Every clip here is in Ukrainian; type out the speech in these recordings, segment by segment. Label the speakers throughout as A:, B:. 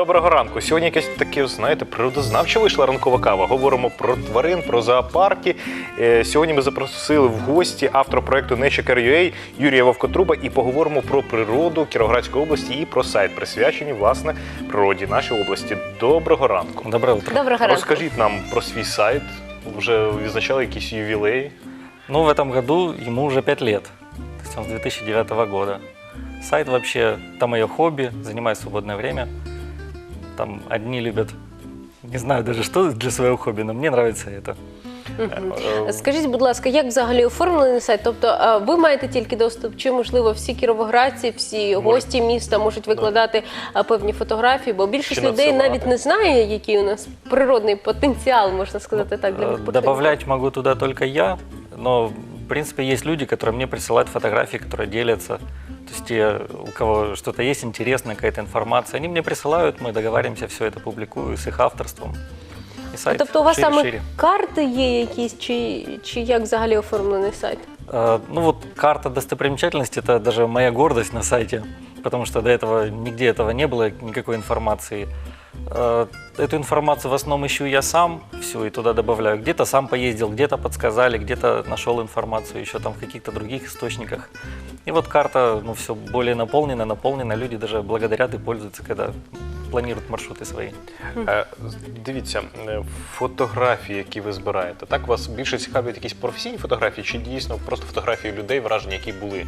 A: Доброго ранку. Сьогодні якесь таке, знаєте, природознавча вийшла ранкова кава. Говоримо про тварин, про зоопарки. Сьогодні ми запросили в гості автора проєкту Nature.ua Юрія Вовкотруба і поговоримо про природу Кіровоградської області і про сайт, присвячений, власне, природі нашої області. Доброго ранку.
B: Доброе утро.
C: Доброго ранку.
A: Розкажіть нам про свій сайт. Вже відзначали якісь ювілеї?
B: Ну, в этом году ему уже 5 лет. То есть он с 2009 года. Сайт вообще, там мое хобби, занимаю свободное время. Там одни любят, не знаю даже что для своего хобби, но мне нравится это.
C: Скажіть, будь ласка, як взагалі оформлений сайт? Тобто ви маєте тільки доступ, чи, можливо, всі кіровоградці, всі гості міста можуть викладати певні фотографії? Бо більшість людей навіть не знає, який у нас природний потенціал, можна сказати так, для відпочинку.
B: Добавлять могу туда только я, но, в принципе, есть люди, которые мне присылают фотографии, которые делятся. То есть те, у кого что-то есть интересное, какая-то информация, они мне присылают, мы договариваемся, все это публикую с их авторством. И сайт
C: Тобто у вас саме
B: шире.
C: карти є якісь, чи як взагалі оформлений сайт?
B: Ну вот карта достопримечательностей – это даже моя гордость на сайте, потому что до этого нигде этого не было, никакой информации. Эту информацию в основном ищу я сам, все, и туда добавляю. Где-то сам поездил, где-то подсказали, где-то нашел информацию еще там в каких-то других источниках. И вот карта, ну, все более наполнена, люди даже благодарят и пользуются, когда планируют маршруты свои.
A: Дивіться, фотографії, які ви збираєте, так вас більше цікавлять якісь професійні фотографії, чи дійсно просто фотографії людей, враження, які були?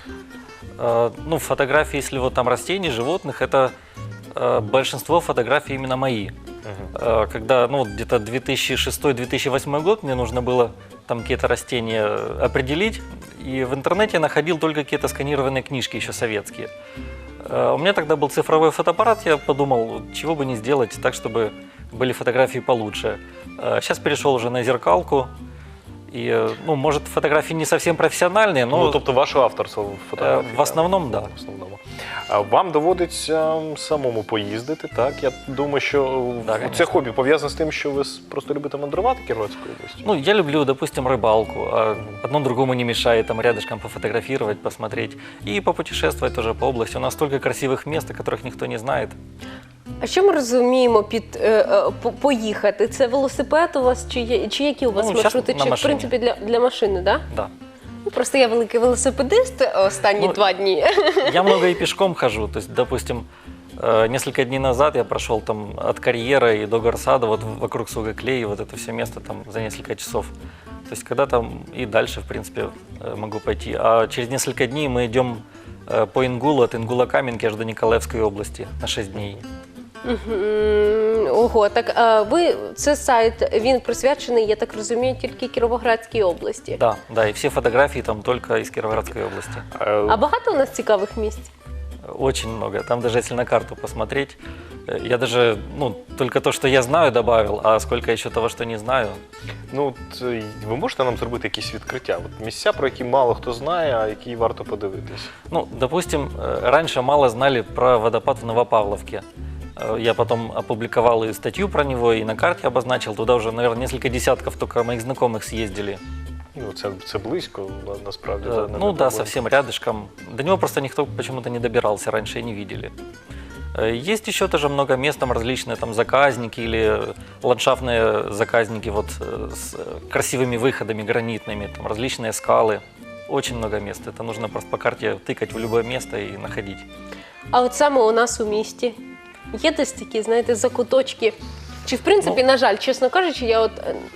B: Ну, фотографии, если вот там растений, животных, это большинство фотографий именно мои. Когда, ну, где-то 2006-2008 год мне нужно было там какие-то растения определить, и в интернете я находил только какие-то сканированные книжки еще советские. У меня тогда был цифровой фотоаппарат, я подумал, чего бы не сделать так, чтобы были фотографии получше. Сейчас перешел уже на зеркалку. И, ну, может, фотографии не совсем профессиональные, но...
A: Ну, тобто ваше авторство фотографії?
B: В основному, так. Да.
A: В основному. Вам доводиться самому поїздити, так? Я думаю, що це хобі пов'язане з тим, що ви просто любите мандрувати Кіровоградською областю?
B: Ну, я люблю, допустим, рыбалку. Одно другому не мешает, там рядышком пофотографировать, посмотреть. И попутешествовать тоже по области. У нас столько красивых мест, о которых никто не знает.
C: А що ми розуміємо під поїхати? Це велосипед у вас, чи які у вас маршрути? Чи, в принципі, для машини, так?
B: Да.
C: Ну, просто я великий велосипедист останні 2 дні.
B: Я много и пешком хожу. То есть, допустим, несколько дней назад я прошел там от карьера и до Горсада, вот вокруг Сугаклеи, вот это все место там за несколько часов. То есть, когда там и дальше, в принципе, могу пойти. А через несколько дней мы идем по Ингулу, от Ингула-Каменки аж до Николаевской области на 6 дней.
C: Ого, так це сайт, він присвячений, я так розумію, тільки Кіровоградській області.
B: Да, да, и все фотографии там только из Кировоградской области.
C: А багато у нас цікавих місць?
B: Очень много. Там даже если на карту посмотреть, я даже, ну, только то, что я знаю, добавил, а сколько еще того, что не знаю.
A: Ну, от, ви можете нам зробити якісь відкриття? От місця, про які мало хто знає, а які варто подивитись?
B: Ну, допустим, раньше мало знали про водопад в Новопавловке. Я потом опубликовал и статью про него, и на карте обозначил. Туда уже, наверное, несколько десятков только моих знакомых съездили.
A: Ну, це близько, насправді.
B: Ну да, совсем рядышком. До него просто никто почему-то не добирался, раньше и не видели. Есть еще тоже много мест, там различные там заказники или ландшафтные заказники вот с красивыми выходами гранитными, там различные скалы. Очень много мест. Это нужно просто по карте тыкать в любое место и находить.
C: А от саме у нас у місті є десь такі, знаєте, закуточки? Чи, в принципі, на жаль, чесно кажучи, я от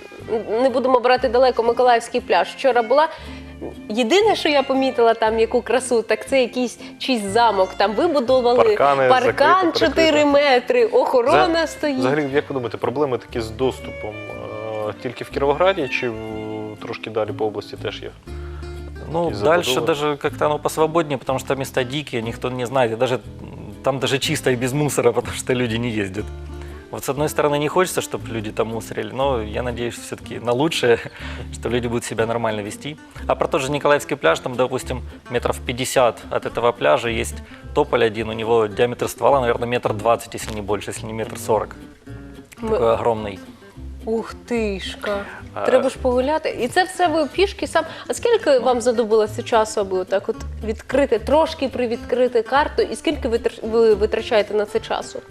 C: не будемо брати далеко Миколаївський пляж. Вчора була. Єдине, що я помітила там, яку красу, так це якийсь чийсь замок. Там вибудували паркан 4 метри, охорона стоїть.
A: Взагалі, як ви думаєте, проблеми такі з доступом тільки в Кіровограді чи трошки далі по області теж є?
B: Ну, дальше даже как-то оно посвободнее, потому что места дикие, никто не знает. И там даже чисто и без мусора, потому что люди не ездят. Вот с одной стороны не хочется, чтобы люди там мусорили, но я надеюсь все-таки на лучшее, что люди будут себя нормально вести. А про тот же Николаевский пляж, там, допустим, метров 50 от этого пляжа есть тополь один, у него диаметр ствола, наверное, 1,20 м, если не больше, если не 1,40 м. Такой огромный.
C: Ух тишка, треба ж погуляти. І це все ви пішки сам. А скільки вам знадобилося часу, аби отак от відкрити, трошки привідкрити карту, і скільки ви витрачаєте на це часу?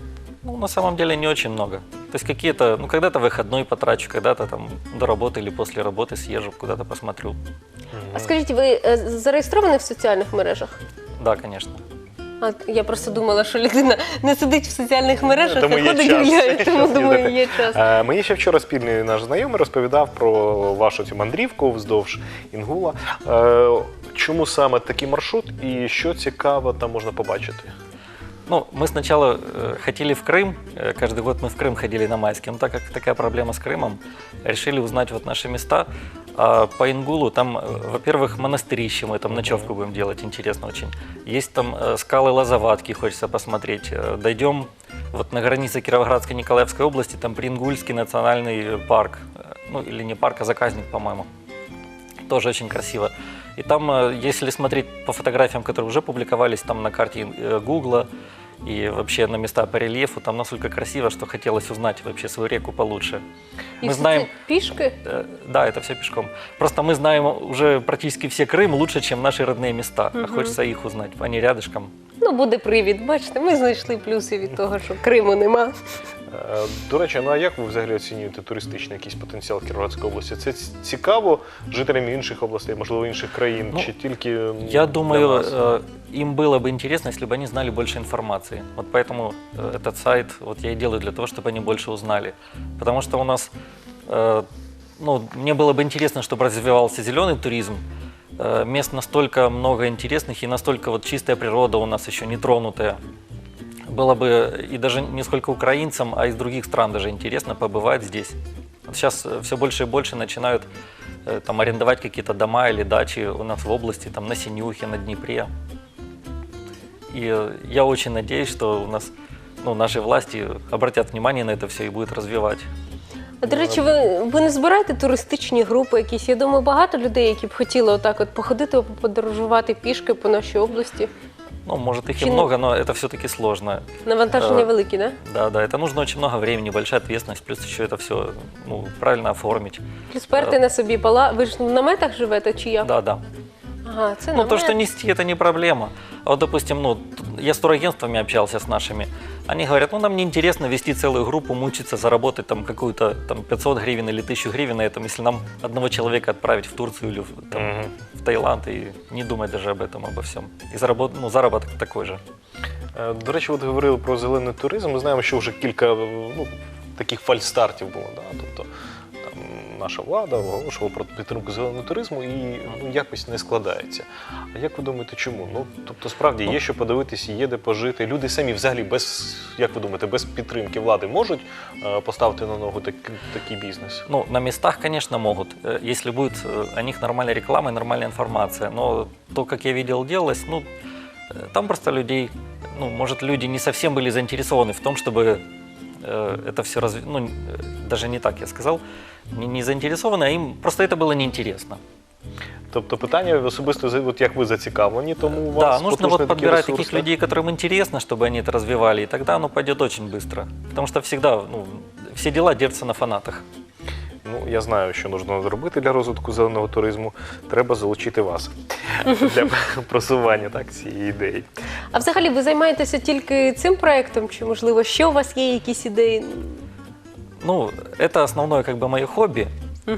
B: Ну, на самом деле не очень много. То есть какие-то, ну, когда-то выходной потрачу, когда-то там до работы или после работы съезжу, куда-то посмотрю.
C: А скажіть, ви зареєстровані в соціальних мережах?
B: Да, конечно.
C: А я просто думала, що людина не сидить в соціальних мережах,
A: Тому
C: а
A: є
C: ходить
A: час.
C: гуляє, тому
A: Час
C: думаю,
A: їздити.
C: є час.
A: Мені ще вчора спільний наш знайомий розповідав про вашу цю мандрівку вздовж Інгула. Чому саме такий маршрут і що цікаво там можна побачити?
B: Ну, мы сначала хотели в Крым, каждый год мы в Крым ходили на майские, но так как такая проблема с Крымом, решили узнать вот наши места. А по Ингулу там, во-первых, монастырище, мы там ночевку будем делать, интересно очень. Есть там скалы Лозоватки, хочется посмотреть. Дойдем вот на границе Кировоградской и Николаевской области, там Прингульский национальный парк, ну или не парк, а заказник, по-моему. Тоже очень красиво. И там, если смотреть по фотографиям, которые уже публиковались там на карте Гугла и вообще на места по рельефу, там настолько красиво, что хотелось узнать вообще свою реку получше.
C: І
B: Мы
C: все
B: знаем,
C: це пішки?
B: да, это все пешком. Просто мы знаем уже практически все Крым лучше, чем наши родные места. А хочется их узнать, они рядышком.
C: Ну, буде привід. Бачите, ми знайшли плюси від того, що Криму нема.
A: До речі, ну а як ви взагалі оцінюєте туристичний якийсь потенціал Кіровоградської області? Це цікаво жителям інших областей, можливо, інших країн,
B: Ну,
A: чи тільки
B: Я
A: для
B: думаю,
A: нас?
B: им было бы интересно, если бы они знали больше информации. Вот поэтому этот сайт вот я и делаю для того, чтобы они больше узнали. Потому что у нас, ну, мне было бы интересно, чтобы развивался зеленый туризм. Мест настолько много интересных и настолько вот чистая природа у нас еще не тронутая. Было бы и даже не сколько украинцам, а из других стран даже интересно побывать здесь. Вот сейчас все больше и больше начинают там арендовать какие-то дома или дачи у нас в области, там на Синюхе, на Днепре. И я очень надеюсь, что у нас, ну, наши власти обратят внимание на это все и будут развивать.
C: А, до речі, ви не збираєте туристичні групи якісь? Я думаю, багато людей, які б хотіли отак от походити, подорожувати пішки по нашій області.
B: Ну, может, их и
C: Чин-
B: много, но это все-таки сложно.
C: Навантаження великі, да?
B: Да, это нужно очень много времени, большая ответственность, плюс еще это все, ну, правильно оформить.
C: Сперти на собі пала. Ви ж в наметах живете чи як?
B: Да.
C: Ага, це
B: Ну,
C: намет.
B: то, что нести, это не проблема. А вот, допустим, ну, я с турагентствами общался с нашими. Они говорят, ну, нам неинтересно вести целую группу, мучиться, заработать там какую-то там 500 гривен или 1000 гривен на этом, если нам одного человека отправить в Турцию или в Таиланд и не думать даже об этом, обо всем. И заработок такой же.
A: До речі, от говорили про зелений туризм. Ми знаємо, що вже кілька таких фальстартів було. Да? Тобто там наша влада оголошувала про підтримку зеленого туризму і якось не складається. А як ви думаєте, чому? Ну, тобто, справді є що подивитись, є де пожити. Люди самі взагалі без, як ви думаєте, без підтримки влади можуть поставити на ногу такий бізнес?
B: Ну, на местах, конечно, могут, если будет о них нормальная реклама и нормальная информация. Но то, как я видел, делалось, ну, там просто людей, ну, может, люди не совсем были заинтересованы в том, чтобы это все ну, даже не так я сказал, не заинтересованы, а им просто это было неинтересно.
A: Тобто питання особисто, от як ви зацікавлені, тому у
B: Да,
A: вас
B: нужно
A: потужний
B: вот
A: такий
B: подбирать
A: ресурс,
B: таких
A: да?
B: людей, которым интересно, чтобы они это развивали, и тогда оно пойдет очень быстро. Потому что всегда, ну, все дела держатся на фанатах.
A: Ну, я знаю, що потрібно зробити для розвитку зеленого туризму. Треба залучити вас для просування цієї ідеї.
C: А взагалі ви займаєтеся тільки цим проєктом? Чи, можливо, ще у вас є якісь ідеї?
B: Ну, это основное как бы мое хобби.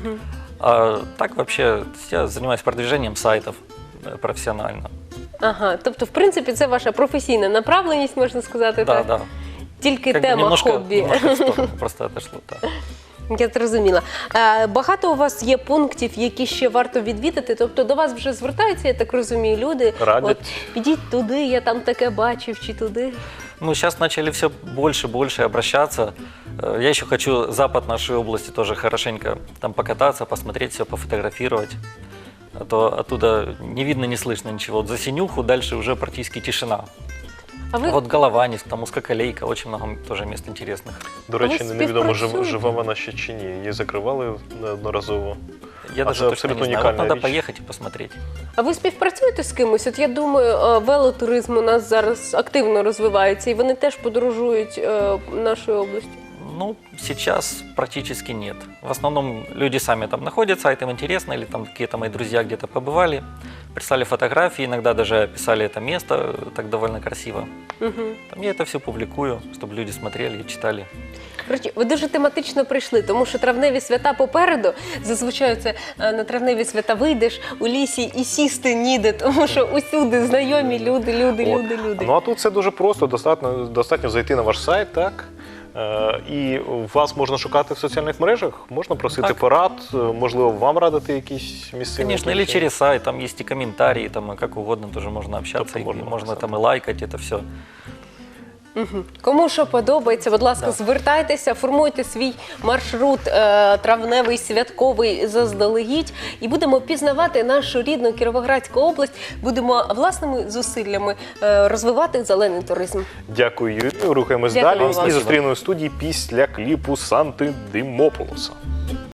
B: А так вообще я занимаюсь продвижением сайтов профессионально.
C: Ага, тобто, в принципі, це ваша професійна направленість, можна сказати,
B: Да,
C: так?
B: да.
C: Тільки
B: Как бы
C: тема хобі.
B: немножко в сторону просто отошло, да.
C: Я зрозуміла. Багато у вас є пунктів, які ще варто відвідати? Тобто до вас вже звертаються, я так розумію, люди?
A: Радять.
C: От, підіть туди, я там таке бачив, чи туди?
B: Ну, сейчас начали все больше и больше обращаться. Я еще хочу запад нашей области тоже хорошенько там покататься, посмотреть все, пофотографировать. А то оттуда не видно, не слышно ничего. Вот за Синюху дальше уже практически тишина.
C: А ви
B: Вот Голованец, там Узкоколейка, очень много тоже мест интересных.
A: До речі,
C: ви
A: невідомо,
C: співпрацюєте?
A: жива вона ще чи ні. Її закривали неодноразово.
B: Я
A: А
B: даже
A: это
B: точно не
A: абсолютно
B: знаю. Вот
A: уникальная
B: надо
A: вещь.
B: поехать и посмотреть.
C: А ви співпрацюєте з кимось? От я думаю, велотуризм у нас зараз активно розвивається, і вони теж подорожують нашою областю.
B: Ну, сейчас практически нет. В основном люди сами там находятся, а это им интересно, или там какие-то мои друзья где-то побывали, прислали фотографии, иногда даже описали это место так довольно красиво. Там я это все публикую, чтобы люди смотрели и читали.
C: Коротше, ви дуже тематично прийшли, тому що травневі свята попереду. Зазвичай це на травневі свята вийдеш у лісі і сісти ніде, тому що усюди знайомі люди.
A: Ну а тут це дуже просто, достатньо зайти на ваш сайт, так? І вас можна шукати в соціальних мережах, можна просити
B: Так.
A: порад, можливо, вам радити якісь місцеві.
B: Конечно, или через сайт, там есть и комментарии, там и как угодно тоже можно общаться,
A: Тобто
B: и
A: можно
B: можно
A: написать.
B: там и лайкать это все.
C: Кому що подобається, будь ласка, звертайтеся, формуйте свій маршрут травневий, святковий заздалегідь і будемо пізнавати нашу рідну Кіровоградську область, будемо власними зусиллями розвивати зелений туризм.
A: Дякую, Юрію. Рухаємось
C: Дякую
A: далі
C: вам.
A: і зустрінемо в студії після кліпу Санти Димополоса.